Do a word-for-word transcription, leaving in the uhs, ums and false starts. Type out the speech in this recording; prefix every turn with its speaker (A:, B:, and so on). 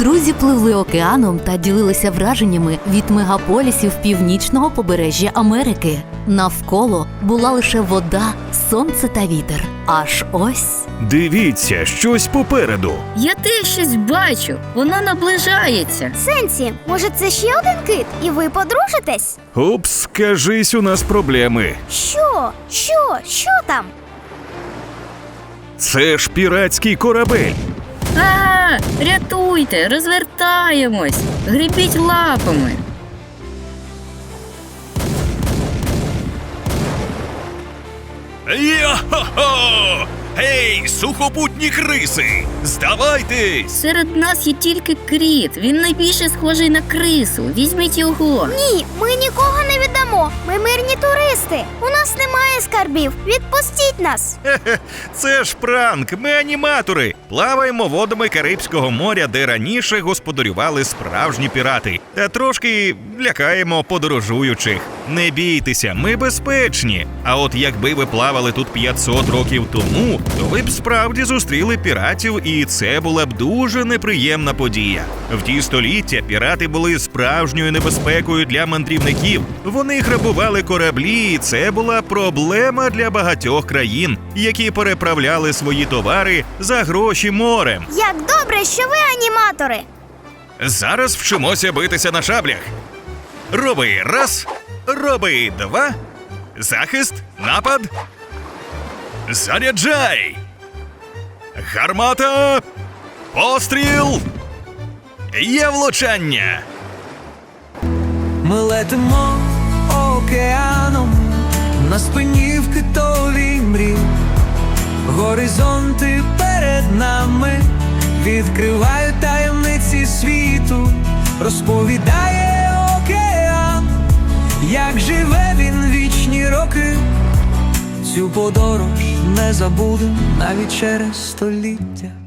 A: Друзі пливли океаном та ділилися враженнями від мегаполісів північного побережжя Америки. Навколо була лише вода, сонце та вітер. Аж ось...
B: Дивіться, щось попереду.
C: Я теж щось бачу, воно наближається.
D: Сенсі, може це ще один кит, і ви подружитесь?
B: Упс, кажись, у нас проблеми.
D: Що? Що? Що там?
B: Це ж піратський корабель.
C: А, рятуйте, розвертаємось, гребіть лапами.
B: Йо-хо-хо! Гей, сухопутні криси! Здавайтесь!
C: Серед нас є тільки кріт, він найбільше схожий на крису. Візьміть його.
D: Ні, ми нікого не віддамо. Ми мирні туристи. У нас немає скарбів. Відпустіть нас.
B: Хе-хе, це ж пранк, ми аніматори. Плаваємо водами Карибського моря, де раніше господарювали справжні пірати. Та трошки лякаємо подорожуючих. Не бійтеся, ми безпечні. А от якби ви плавали тут п'ятсот років тому, то ви б справді зустріли піратів, і це була б дуже неприємна подія. В ті століття пірати були справжньою небезпекою для мандрівників. Вони грабували кораблі, і це була проблема для багатьох країн, які переправляли свої товари за гроші морем.
D: Як добре, що ви аніматори.
B: Зараз вчимося битися на шаблях. Роби раз, роби два, захист, напад. Заряджай! Гармата! Постріл! Є влучання!
E: Ми летимо океаном, на спині в китовій мрі. Горизонти перед нами відкривають таємниці світу. Розповідає океан, як живе він вічні роки. Цю подорож не забудем навіть через століття.